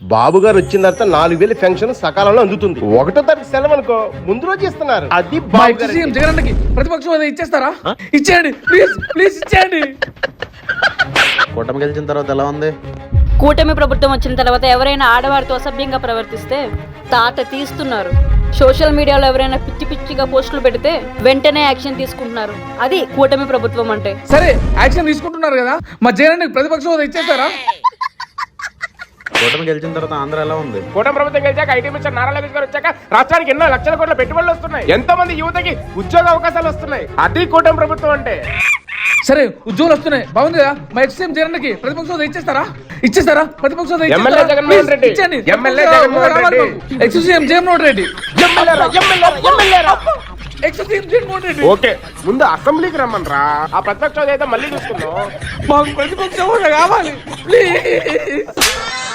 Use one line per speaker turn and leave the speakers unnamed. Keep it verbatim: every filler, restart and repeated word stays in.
బాబు గారు వచ్చిన తర్వాత నాలుగు వేలు పెన్షన్ సకాలంలో అందుతుంది. ఒకటో తారీఖు సెలవు అనుకో ముందు రోజు ఇస్తున్నారు. అది బాబు గారు
జగన్ ప్రతిపక్షం హోదా ఇచ్చేస్తారా? ఇచ్చేయండి ప్లీజ్ ప్లీజ్ ఇచ్చేయండి.
కూటమి గెలిచిన తర్వాత ఎలా ఉంది?
కూటమి ప్రభుత్వం వచ్చిన తర్వాత ఎవరైనా ఆడవారితో అసభ్యంగా ప్రవర్తిస్తే తాట తీస్తున్నారు. సోషల్ మీడియాలో ఎవరైనా పిచ్చి పిచ్చిగా పోస్టులు పెడితే వెంటనే యాక్షన్ తీసుకుంటున్నారు. అది కూటమి ప్రభుత్వం అంటే.
సరే యాక్షన్ తీసుకుంటున్నారు కదా, మా జగన్ ప్రతిపక్షం హోదా ఇచ్చేస్తారా?
కూటమి గెలిచిన తర్వాత ఆంధ్ర ఎలా ఉంది?
కూటమి ప్రభుత్వం గెలిచాక ఐటీ మినిస్టర్ నారా లోకేష్ గారు వచ్చాక రాష్ట్రానికి ఎన్నో లక్షల కోట్ల పెట్టుబడులు వస్తున్నాయి. ఎంతో మంది యువతకి ఉద్యోగ అవకాశాలు వస్తున్నాయి. అది కూటమి ప్రభుత్వం అంటే.
సరే ఉద్యోగులు వస్తున్నాయి, బాగుంది కదా. మా ఎక్స్ఎం జగన్ కి ప్రతిపక్ష హోదా ఇచ్చేస్తారా? ఇచ్చేస్తారా? ప్రతిపక్ష హోదా
MLA Jaganmohan Reddy MLA Jaganmohan Reddy
ex CM Jaganmohan Reddy ex CM Jaganmohan Reddy.
Okay ముందు అసెంబ్లీకి రమ్మనరా, ఆ ప్రతిపక్ష హోదా అయితే మళ్ళీ చూసుకుందాం.
మాకు ప్రతిపక్ష హోదా కావాలి ప్లీజ్.